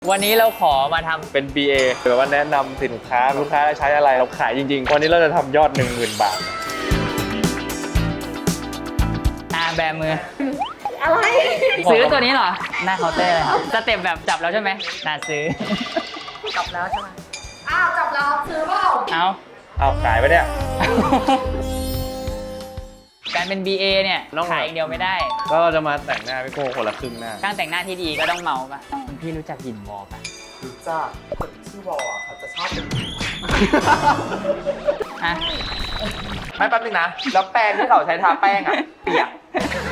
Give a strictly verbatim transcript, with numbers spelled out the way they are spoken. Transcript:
วันนี้เราขอมาทำเป็น บี เอ หรือว่าแนะนำสินค้าลูกค้าใช้อะไรเราขายจริงๆวันนี้เราจะทำยอด หนึ่งหมื่น บาทอาแบมืออะไรซื้อตัวนี้เหรอ หน้าเคาน์เตอร์เลยครับสเต็ปแบบจับแล้วใช่ไหมน่าซื้อจับแล้วใช่ไหมอ้าวจับแล้วซื้อเปล่าเอาเอาขายไปเนี่ยการเป็น บี เอ เนี่ยต้องขายอย่างเดียวไม่ได้ก็เราจะมาแต่งหน้าพี่โก้คนละครึ่งหน้าการแต่งหน้าที่ดีก็ต้องเมาป่ะคุณพี่รู้จักหินวอลป่ะรู้จักคนชื่อวอลอ่ะเขาจะชอบเป็นอ่ะไม่แป๊บนึงนะ แล้วแป้งที่เขาใช้ทาแป้งอ่ะเปียก